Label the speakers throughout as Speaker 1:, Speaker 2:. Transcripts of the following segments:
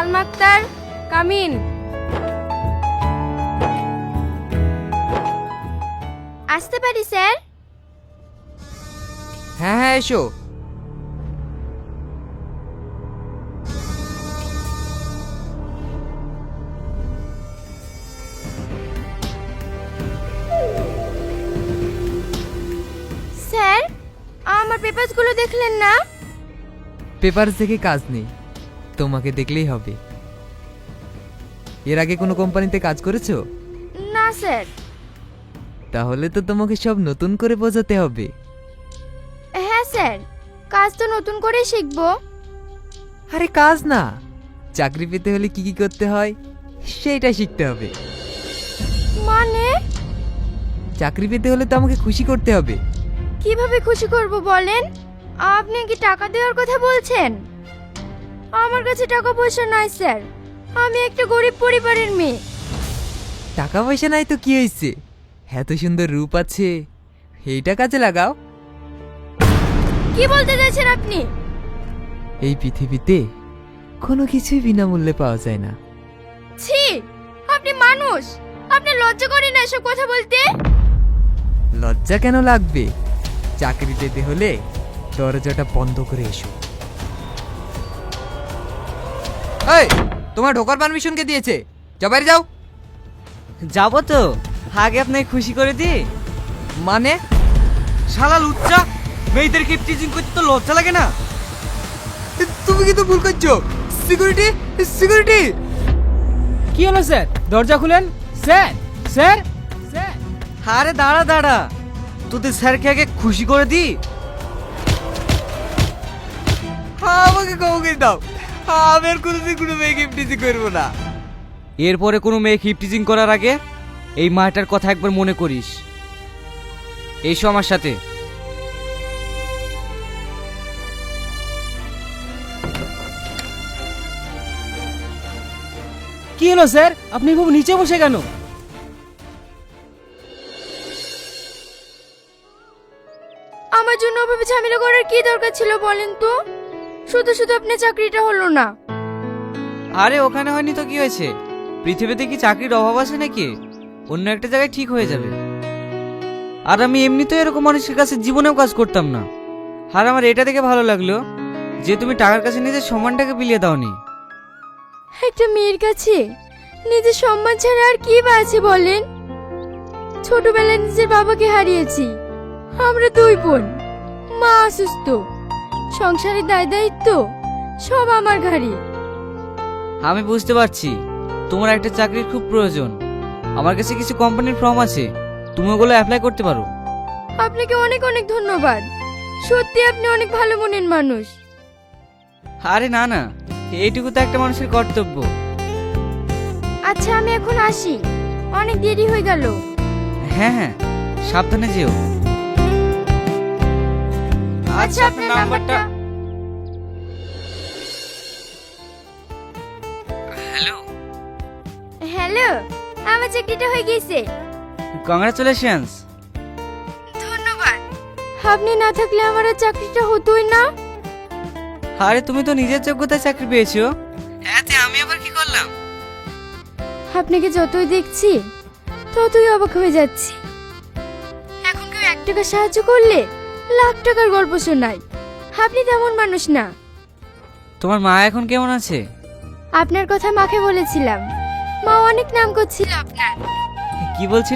Speaker 1: Salma Akter, come in. আসতে পারি sir?
Speaker 2: হ্যাঁ হ্যাঁ, এসো।
Speaker 1: স্যার, আমার পেপারসগুলো দেখলেন না?
Speaker 2: পেপার দেখে কাজ নেই, তোমাকে দেখলেই হবে। এর আগে কোনো কোম্পানিতে কাজ করেছো?
Speaker 1: না স্যার।
Speaker 2: তাহলে তো তোমাকে সব নতুন করে বোঝাতে হবে।
Speaker 1: হ্যাঁ স্যার, কাজ তো নতুন করেই শিখবো।
Speaker 2: আরে কাজ না, চাকরি পেতে হলে কি কি করতে হয় সেইটা শিখতে হবে।
Speaker 1: মানে?
Speaker 2: চাকরি পেতে হলে তো আমাকে খুশি করতে হবে।
Speaker 1: কিভাবে খুশি করব বলেন? আপনি কি টাকা দেওয়ার কথা বলছেন? আমার কাছে টাকা পয়সা নাই স্যার, আমি একটা গরিব পরিবারের মেয়ে।
Speaker 2: টাকা পয়সা নাই তো কি হয়েছে, এত সুন্দর রূপ আছে, এইটা কাজে লাগাও।
Speaker 1: কি বলতে চাইছেন আপনি?
Speaker 2: এই পৃথিবীতে কোনো কিছুই বিনামূল্যে পাওয়া যায় না।
Speaker 1: ছি, আপনি মানুষ, আপনার লজ্জা করে না এসব কথা বলতে?
Speaker 2: লজ্জা কেন লাগবে? চাকরি পেতে হলে দরজাটা বন্ধ করে এসো। এই, তোমার ঢোকার পারমিশন কে দিয়েছে? যাও, বাইরে যাও।
Speaker 3: যাবো তো, আগে আপনাকে খুশি করে দি।
Speaker 2: মানে?
Speaker 3: শালা লুচ্চা, মেয়েদের কিপটিজিং করতে তো লজ্জা লাগে না?
Speaker 2: তুমি কিন্তু ভুল করছো। Security, security.
Speaker 4: কি হলো স্যার? দরজা খুলেন। Sir, sir, sir.
Speaker 3: আরে দাঁড়া দাঁড়া, তোদের স্যারকে আগে খুশি করে দি।
Speaker 2: আমাকে ক্ষমা করে দাও, আমি আর কোনোদিন কোনো মেয়ে গিফট করবো না।
Speaker 3: এরপরে কোনো মেয়ে কিপটিজিং করার আগে এই মাটার কথা একবার মনে করিস। এসো আমার সাথে।
Speaker 4: কি হলো স্যার? আপনি খুব নিচে বসে কেন?
Speaker 1: আমার জন্য ওভাবে ঝামেলা করার কি দরকার ছিল বলেন তো? শুধু শুধু আপনার চাকরিটা হলো না।
Speaker 3: আরে ওখানে হয়নি তো কি হয়েছে? পৃথিবীতে কি চাকরির অভাব আছে নাকি? অন্য একটা জায়গায় ঠিক হয়ে যাবে। আর আমি এমনিতেও এরকম মানুষের কাছে জীবনেও কাজ করতাম না। আর আমার এটা দেখে ভালো লাগলো যে তুমি টাকার কাছে নিজের সম্মানটাকে বিলিয়ে দাওনি।
Speaker 1: একটা মেয়ের কাছে নিজের সম্মান ছাড়া আর কি বা আছে বলেন? ছোটবেলায় নিজের বাবাকে হারিয়েছি, আমরা দুই বোন, মা অসুস্থ, সংসারের দায় দায়িত্ব সব আমার ঘাড়ে।
Speaker 3: আমি বুঝতে পারছি তোমার একটা চাকরির খুব প্রয়োজন। আমার কাছে কিছু কোম্পানির ফর্ম আছে, তুমি ওগুলো অ্যাপ্লাই করতে পারো।
Speaker 1: আপনাকে অনেক অনেক ধন্যবাদ, সত্যি আপনি অনেক ভালো মনের মানুষ।
Speaker 3: আরে না না, এইটুকু তো একটা মানুষের কর্তব্য।
Speaker 1: আচ্ছা আমি এখন আসি, অনেক দেরি হয়ে গেল।
Speaker 3: হ্যাঁ হ্যাঁ, সাবধানে যেও।
Speaker 1: আচ্ছা আপনার নাম্বারটা।
Speaker 3: হ্যালো।
Speaker 1: হ্যালো, আমার চাকরিটা হয়ে গেছে।
Speaker 3: কংগ্রাচুলেশনস।
Speaker 1: ধন্যবাদ। আপনি না থাকলে আমার আর চাকরিটা হতোই না।
Speaker 3: আরে তুমি তো নিজের যোগ্যতায় চাকরি পেয়েছো, এতে আমি আবার কি করলাম?
Speaker 1: আপনাকে যতই দেখছি ততই অবাক হয়ে যাচ্ছি। এখন কেউ 1 টাকা সাহায্য করলে লাখ টাকার গল্প শোনায়। আপনি তেমন মানুষ না।
Speaker 3: তোমার মা এখন কেমন আছে?
Speaker 1: আপনার কথা মাকে বলেছিলাম, মা অনেক নাম করছিল আপনার।
Speaker 3: কি বলছিল?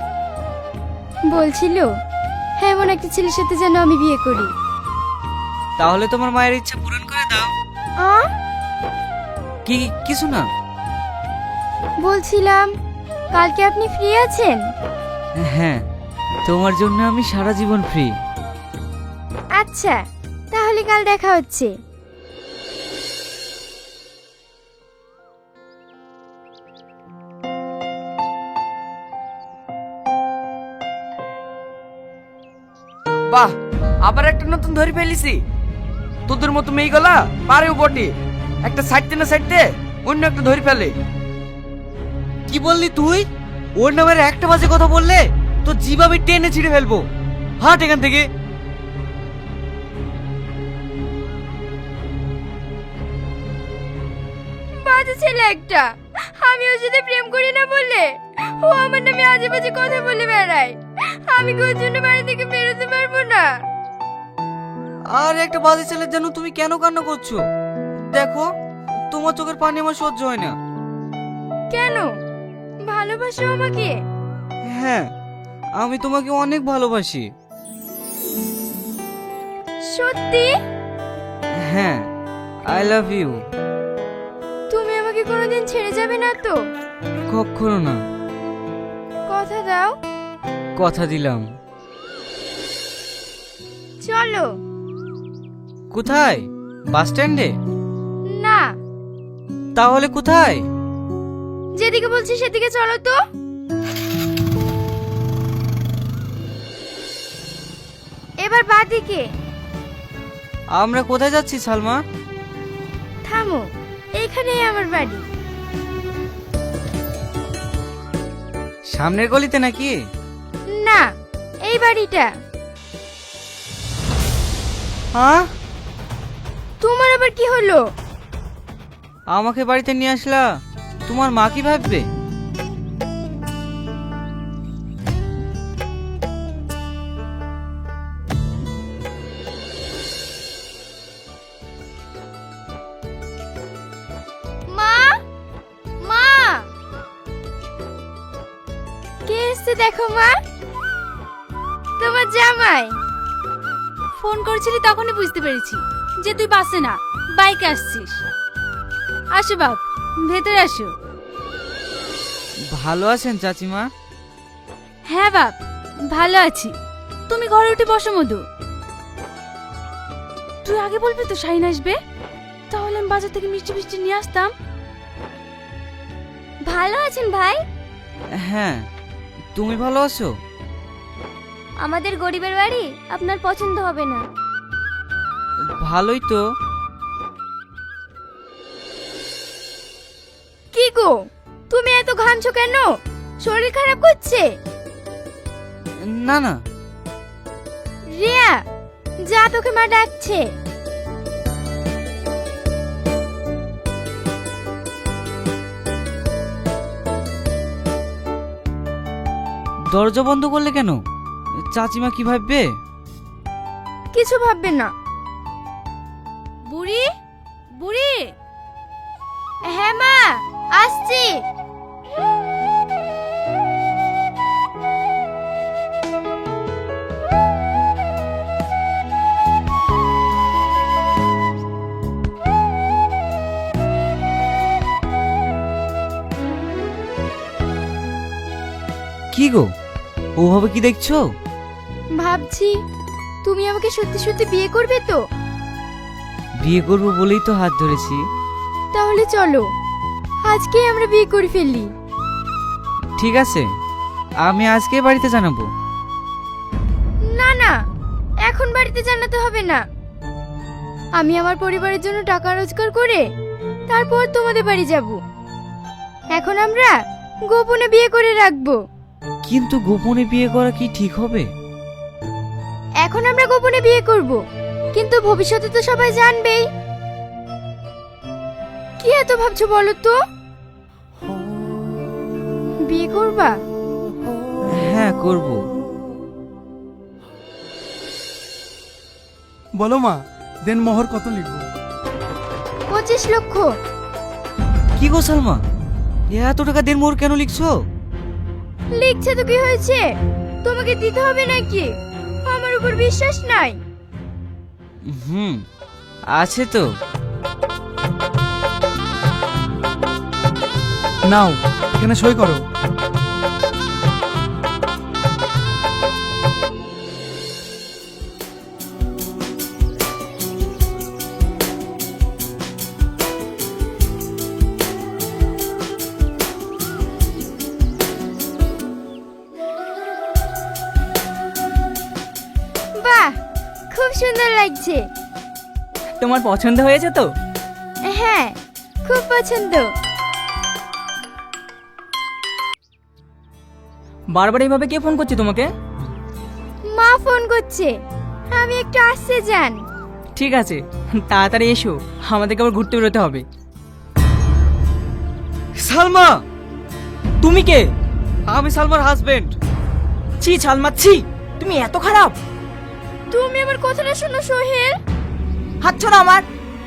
Speaker 1: বলছিল এমন একটা ছেলের সাথে যেন আমি বিয়ে করি।
Speaker 3: তাহলে তোমার মায়ের ইচ্ছা পূরণ করে দাও।
Speaker 1: আ
Speaker 3: কি? কিছু না।
Speaker 1: বলছিলাম কালকে আপনি ফ্রি আছেন?
Speaker 3: হ্যাঁ, তোমার জন্য আমি সারা জীবন ফ্রি।
Speaker 1: আচ্ছা তাহলে কাল দেখা হচ্ছে।
Speaker 5: বাহ, আবার একটা নতুন ধরে ফেলিছি। তোদের মতো মেয়ে গলা পারেও বটে, একটা সাইডতে না সাইডতে অন্য একটা ধরে ফেলে।
Speaker 3: কি বললি তুই? ওর নামের একটা বাজে কথা বললে তো জিভ আমি টেনে ছিঁড়ে ফেলবো। হাট এখান থেকে।
Speaker 1: বাজে ছেলে একটা। আমি ওর সাথে প্রেম করি না বলে ও আমার নামে আজে বাজে কথা বলে বেড়ায়। আমি কি ওর জন্য বাড়ি থেকে বেরোতে পারবো না?
Speaker 3: আর একটা বাজে ছেলের জন্য তুমি কেন কান্না করছো? দেখো, তোমার চোখের পানি আমার সহ্য হয় না।
Speaker 1: কেন? ভালোবাসো আমাকে?
Speaker 3: হ্যাঁ, আমি তোমাকে অনেক ভালোবাসি।
Speaker 1: সত্যি?
Speaker 3: হ্যাঁ, আই লাভ ইউ।
Speaker 1: তুমি আমাকে কোনোদিন ছেড়ে যাবে না তো?
Speaker 3: কখনো না।
Speaker 1: কথা দাও।
Speaker 3: কথা দিলাম।
Speaker 1: চলো।
Speaker 3: কোথায়? বাস স্ট্যান্ডে?
Speaker 1: না,
Speaker 3: তাহলে কোথায়?
Speaker 1: যেদিকে বলছি সেদিকে চলো তো। এবার বাদিকে।
Speaker 3: আমরা কোথায় যাচ্ছি সালমা?
Speaker 1: থামো, এইখানেই আমার বাড়ি।
Speaker 3: সামনের গলিতে নাকি?
Speaker 1: না, এই বাড়িটা।
Speaker 3: হ্যাঁ,
Speaker 1: তোমার আবার কি হলো?
Speaker 3: আমাকে বাড়িতে নিয়ে আসলা, তোমার মা কি ভাববে?
Speaker 1: মা, মা, কে এসছে দেখো মা। তোমার জামাই।
Speaker 6: ফোন করেছিলি তখনই বুঝতে পেরেছি যে তুই বাসে না, বাইকে আসছিস। আসো বাপ, ভেতরে আসো।
Speaker 3: ভালো আছেন চাচিমা?
Speaker 6: হ্যাঁ বাপ, ভালো আছি। তুমি ঘরে উঠে বসো মধু। তুই আগে বলবি তো শাহিন আসবে, তাহলে আমি বাজার থেকে মিষ্টি মিষ্টি নিয়ে আসতাম।
Speaker 1: ভালো আছেন ভাই?
Speaker 3: হ্যাঁ, তুমি ভালো আছো?
Speaker 1: আমাদের গরিবের বাড়ি আপনার পছন্দ হবে না।
Speaker 3: ভালোই তো।
Speaker 1: কি গো, তুমি এত ঘামছো কেন? শরীর খারাপ করছে?
Speaker 3: না না,
Speaker 1: রিয়া, যা, তোকে মা ডাকছে।
Speaker 3: দরজা বন্ধ করলে কেন? চাচিমা কি ভাববে?
Speaker 1: কিছু ভাববে না।
Speaker 6: বুড়ি, বুড়ি,
Speaker 1: হ্যাঁ মা, আসছি।
Speaker 3: কি গো, ওভাবে কি দেখছো?
Speaker 1: ভাবছি তুমি আমাকে সত্যি সত্যি বিয়ে করবে তো?
Speaker 3: বিয়ে করবো বলেই তো হাত ধরেছি।
Speaker 1: তাহলে চলো আজকেই আমরা বিয়ে করে ফেলি।
Speaker 3: ঠিক আছে, আমি আজকে বাড়িতে জানাবো।
Speaker 1: না না, এখন বাড়িতে জানাতে হবে না। আমি আমার পরিবারের জন্য টাকা রোজগার করে তারপর তোমাদের বাড়ি যাব। এখন আমরা গোপনে বিয়ে করে রাখবো।
Speaker 3: কিন্তু গোপনে বিয়ে করা কি ঠিক হবে?
Speaker 1: এখন আমরা গোপনে বিয়ে করব, কিন্তু ভবিষ্যতে তো সবাই জানবেই। কি এত ভাবছো বলো তো? বিয়ে করবা?
Speaker 3: হ্যাঁ, করব।
Speaker 7: বলো মা, দেন মোহর কত লিখবো?
Speaker 1: 25 লক্ষ।
Speaker 3: কি গো সালমা, এত টাকা দেড় মোহর কেন লিখছো?
Speaker 1: লিখছে তো কি হয়েছে, তোমাকে দিতে হবে নাকি? আমার উপর বিশ্বাস নাই?
Speaker 3: আছে তো।
Speaker 7: নাও, এখানে সই করো।
Speaker 1: বাহ, খুব সুন্দর লাগছে।
Speaker 4: তোমার পছন্দ হয়েছে তো?
Speaker 1: হ্যাঁ, খুব পছন্দ।
Speaker 4: বারবার এইভাবে কে ফোন করছে তোমাকে?
Speaker 1: মা ফোন করছে, আমি একটু আসতে যান।
Speaker 4: ঠিক আছে, তাড়াতাড়ি এসো, আমাদেরকে আবার ঘুরতে বেরোতে হবে।
Speaker 3: সালমা,
Speaker 4: তুমি কে?
Speaker 3: আমি সালমার হাজবেন্ড।
Speaker 4: ছি ছালমা ছি, তুমি এত খারাপ।
Speaker 1: তুমি আমার কথাটা শোনো সোহেল।
Speaker 4: হাত ছাড়ো আমার।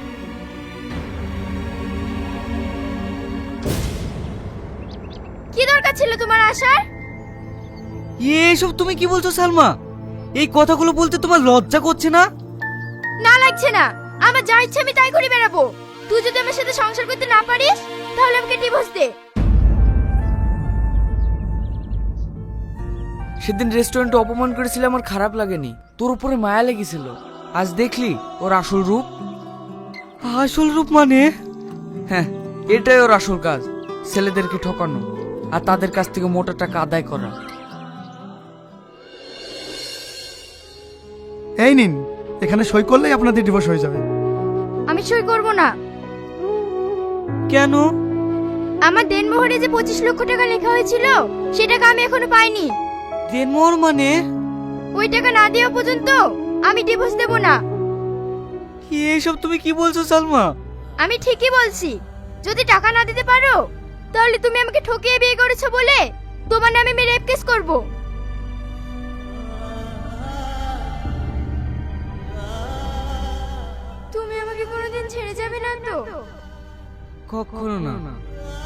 Speaker 1: কি দরকার ছিল তোমার আসার?
Speaker 3: এসব তুমি কি বলছো সালমা? এই কথাগুলো বলতে তোমার লজ্জা করছে না?
Speaker 1: না লাগছে না, আমার যা ইচ্ছে আমি তাই করে বেড়াবো। তুই যদি আমার সাথে সংসার করতে না পারিস তাহলে আমাকে ডিভোর্স দে।
Speaker 5: সেদিন রেস্টুরেন্টে অপমান করেছিল, আমার খারাপ লাগেনি, তোর উপরে মায়া লেগেছিল। আজ দেখলি ওর আসল রূপ।
Speaker 3: আসল রূপ মানে?
Speaker 5: হ্যাঁ, এটাই ওর আসল কাজ, ছেলেদেরকে ঠকানো আর তাদের কাছ থেকে মোটা টাকা আদায় করা।
Speaker 7: এই নিন, এখানে সই করলেই আপনাদের ডিভোর্স হয়ে যাবে।
Speaker 1: আমি সই করব না।
Speaker 3: কেন?
Speaker 1: আমার দেনমোহরে যে 25 লক্ষ টাকা লেখা হয়েছিল সে টাকা আমি এখনো পাইনি।
Speaker 3: দেনমোহর মানে?
Speaker 1: ওই টাকা না দেওয়া পর্যন্ত আমি ডিভোর্স দেব না।
Speaker 3: এসব তুমি কি বলছো সালমা?
Speaker 1: আমি ঠিকই বলছি, যদি টাকা না দিতে পারো তাহলে তুমি আমাকে ঠকিয়ে বিয়ে করেছো বলে তোমার নামে আমি রেপ কেস করব। তুমি আমাকে কোনোদিন ছেড়ে যাবে না তো?
Speaker 3: কখনো না।